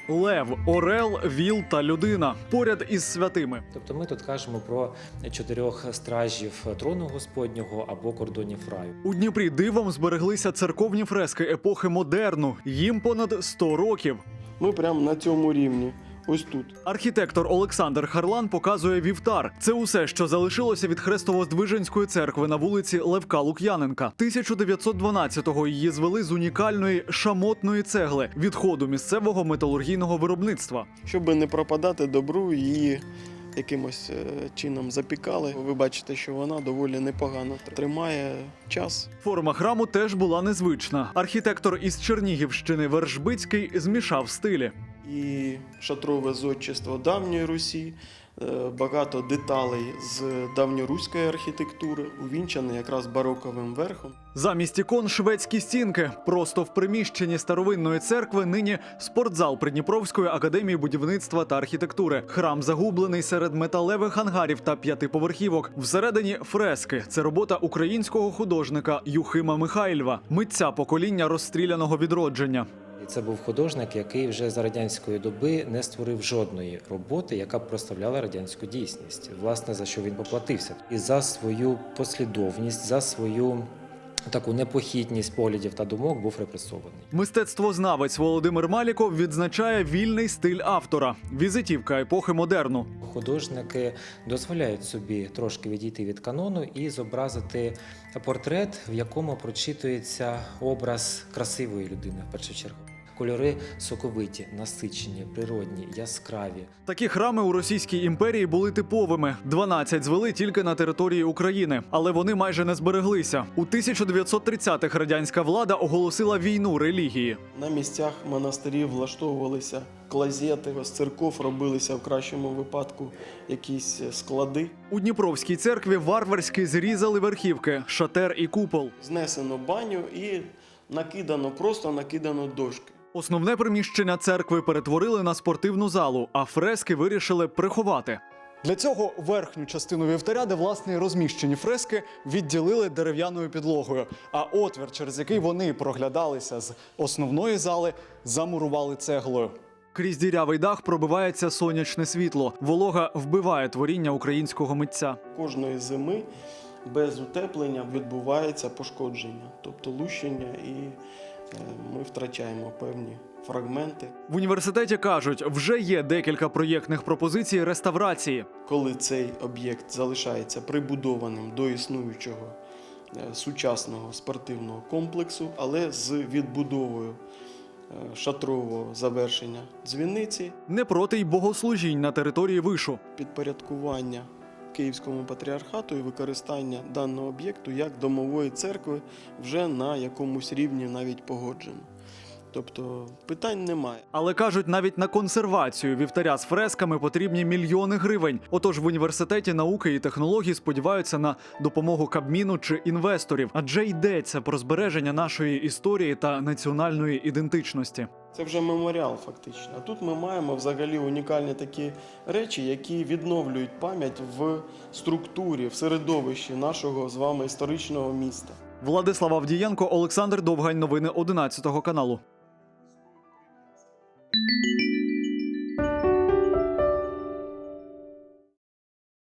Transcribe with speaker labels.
Speaker 1: Лев, орел, віл та людина поряд із святими.
Speaker 2: Тобто ми тут кажемо про 4 стражів трону Господнього або кордонів раю.
Speaker 1: У Дніпрі дивом збереглися церковні фрески епохи модерну. Їм понад 100 років.
Speaker 3: Ми прямо на цьому рівні. Ось тут.
Speaker 1: Архітектор Олександр Харлан показує вівтар. Це усе, що залишилося від Хрестово-Здвиженської церкви на вулиці Левка Лук'яненка. 1912-го її звели з унікальної шамотної цегли, відходу місцевого металургійного виробництва.
Speaker 3: Щоб не пропадати добру, її якимось чином запікали. Ви бачите, що вона доволі непогано тримає час.
Speaker 1: Форма храму теж була незвична. Архітектор із Чернігівщини Вершбицький змішав стилі.
Speaker 3: І шатрове зодчество давньої Русі, багато деталей з давньоруської архітектури, увінчане якраз бароковим верхом.
Speaker 1: Замість ікон шведські стінки. Просто в приміщенні старовинної церкви нині спортзал Придніпровської академії будівництва та архітектури. Храм загублений серед металевих ангарів та 5-поверхівок. Всередині фрески. Це робота українського художника Юхима Михайльва, митця покоління розстріляного відродження.
Speaker 2: І це був художник, який вже за радянської доби не створив жодної роботи, яка б прославляла радянську дійсність. Власне, за що він поплатився. І за свою послідовність, за свою таку непохитність поглядів та думок був репресований.
Speaker 1: Мистецтвознавець Володимир Маліков відзначає вільний стиль автора. Візитівка епохи модерну.
Speaker 2: Художники дозволяють собі трошки відійти від канону і зобразити портрет, в якому прочитується образ красивої людини, в першу чергу. Кольори соковиті, насичені, природні, яскраві.
Speaker 1: Такі храми у Російській імперії були типовими. 12 звели тільки на території України. Але вони майже не збереглися. У 1930-х радянська влада оголосила війну релігії.
Speaker 3: На місцях монастирів влаштовувалися клозети, з церков робилися в кращому випадку якісь склади.
Speaker 1: У Дніпровській церкві варварськи зрізали верхівки, шатер і купол.
Speaker 3: Знесено баню і просто накидано дошки.
Speaker 1: Основне приміщення церкви перетворили на спортивну залу, а фрески вирішили приховати. Для цього верхню частину вівтаря, де власне і розміщені фрески, відділили дерев'яною підлогою. А отвір, через який вони проглядалися з основної зали, замурували цеглою. Крізь дірявий дах пробивається сонячне світло. Волога вбиває творіння українського митця.
Speaker 3: Кожної зими без утеплення відбувається пошкодження, тобто лущення, і ми втрачаємо певні фрагменти.
Speaker 1: В університеті кажуть, вже є декілька проєктних пропозицій реставрації.
Speaker 3: Коли цей об'єкт залишається прибудованим до існуючого сучасного спортивного комплексу, але з відбудовою шатрового завершення дзвіниці.
Speaker 1: Не проти й богослужінь на території вишу.
Speaker 3: Підпорядкування Київському патріархату і використання даного об'єкту як домової церкви вже на якомусь рівні навіть погоджено. Тобто питань немає.
Speaker 1: Але кажуть, навіть на консервацію вівтаря з фресками потрібні мільйони гривень. Отож в університеті науки і технологій сподіваються на допомогу Кабміну чи інвесторів. Адже йдеться про збереження нашої історії та національної ідентичності.
Speaker 3: Це вже меморіал фактично. А тут ми маємо взагалі унікальні такі речі, які відновлюють пам'ять в структурі, в середовищі нашого з вами історичного міста.
Speaker 1: Владислав Авдієнко, Олександр Довгань. Новини 11 каналу.